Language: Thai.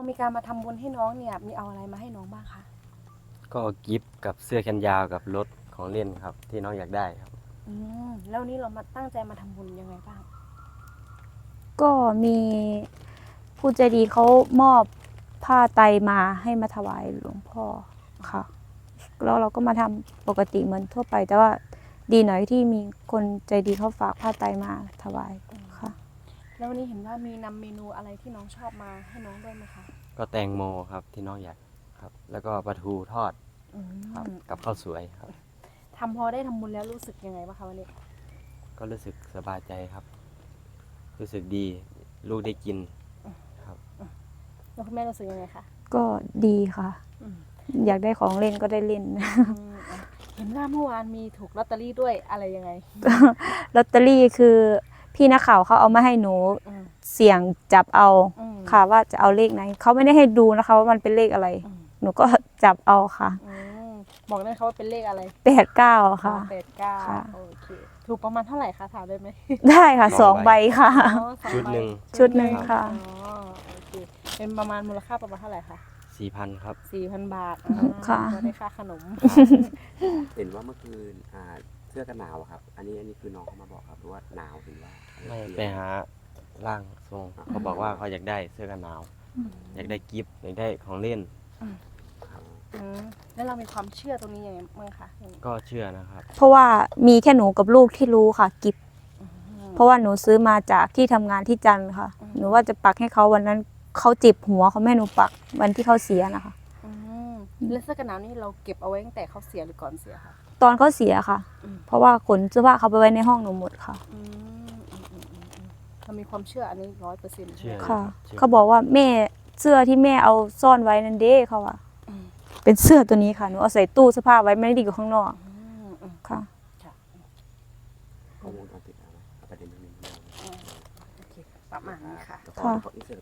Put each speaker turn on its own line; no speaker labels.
มีการมาทำบุญให้น้องเนี่ยมีเอาอะไรมาให้น้องบ้างคะ
ก็กิฟต์กับเสื้อแขนยาวกับรถของเล่นครับที่น้องอยากได้ครับ
แล้ววันนี้เรามาตั้งใจมาทำบุญยังไงบ้าง
ก็มีผู้ใจดีเขามอบผ้าไตรมาให้มาถวายหลวงพ่อค่ะแล้วเราก็มาทำปกติเหมือนทั่วไป แต่ว่าดีหน่อยที่มีคนใจดีเขาฝากผ้าไตรมาถวายค่ะ
แล้ววันนี้เห็นว่ามีนำเมนูอะไรที่น้องชอบมาให้น้องด้วยไหมคะ
ก็แตงโมครับที่น้องอยากครับ แล้วก็ปลาทูทอดครับกับข้าวสวยครับ
พอได้ทำบุญแล้วรู้สึกยังไงบ้างคะวันนี้
ก็รู้สึกสบายใจครับ รู้สึกดีลูกได้กินครับ
แล้วคุณแม่รู้สึกยังไงคะ
ก็ดีค่ะ
อืม
อยากได้ของเล่นก็ได้เล่น
เห็นว่าเมื่อวานมีถูกลอตเตอรี่ด้วยอะไรยังไง
ลอตเตอรี่คือพี่นักข่าวเขาเอามาให้หนู
อืม
เสี่ยงจับเอา
อืม
ค่ะว่าจะเอาเลขไหนเขาไม่ได้ให้ดูนะคะว่ามันเป็นเลขอะไร
อืม
หนูก็จับเอาค่ะ
บอกได้ไหมคะว่าเป็นเลขอะไร
89ค่ะ
89
ค่ะ
โอเคถูกประมาณเท่าไหร่คะถามได้ไหม
ได้ค่ะ
สอง
2
ใบ
ใบค่ะ
อ๋อสอง
ชุดหนึ่ง
ใบ
ชุดหนึ่งค่ะ
อ๋อโอเคเป็นประมาณมูลค่าประมาณเท่าไหร่คะ
4,000 ครับ
4,000 บาท
ค่ะ
ก็ได้ค่าขนม
เห็นว่าเมื่อคืนเสื้อกันหนาวอะครับ อันนี้คือน้องเขามาบอกครับหรือว่าหนาวหรือว่า
ไม่ไปหาร่างทรงเขาบอกว่าเขาอยากได้เสื้อกันหนาว อยากได้กิฟต์อยากได้ของเล่น
ครับ
แล้วเรามีความเชื่อตรงนี้ยังไงบ้างคะ
ก็เชื่อนะครับ
เพราะว่ามีแค่หนูกับลูกที่รู้ค่ะกิฟเพราะว่าหนูซื้อมาจากที่ทำงานที่จันทร์ค่ะ หนูว่าจะปักให้เขาวันนั้นเขาเจ็บหัวเขาไม่ให้หนูปักวันที่เขาเสียนะคะ
แล้วเสื้อกันหนาวนี่เราเก็บเอาไว้ตั้งแต่เขาเสียหรือก่อนเสียคะ
ตอนเขาเสียค่ะ
อืม
เพราะว่าขนเสื้อผ้าเขาไปไว้ในห้องหนูหมดค่ะ
เรามีความเชื่ออันนี้100%
เชื่อ
ค่ะ
เชื่อ
เขาบอกว่าแม่เสื้อที่แม่เอาซ่อนไว้นั่นเด้เขาว่าเป็นเสื้อตัวนี้ค่ะหนูเอาใส่ตู้เสื้อผ้าไว้ไม่ได้ดีกับข้างนอกค่ะ
ข้อมูลตอนติดเอาไหมเอาประเด็นนี้
โอเคประมาณนี้ค่ะ
ขออินเสิร์ต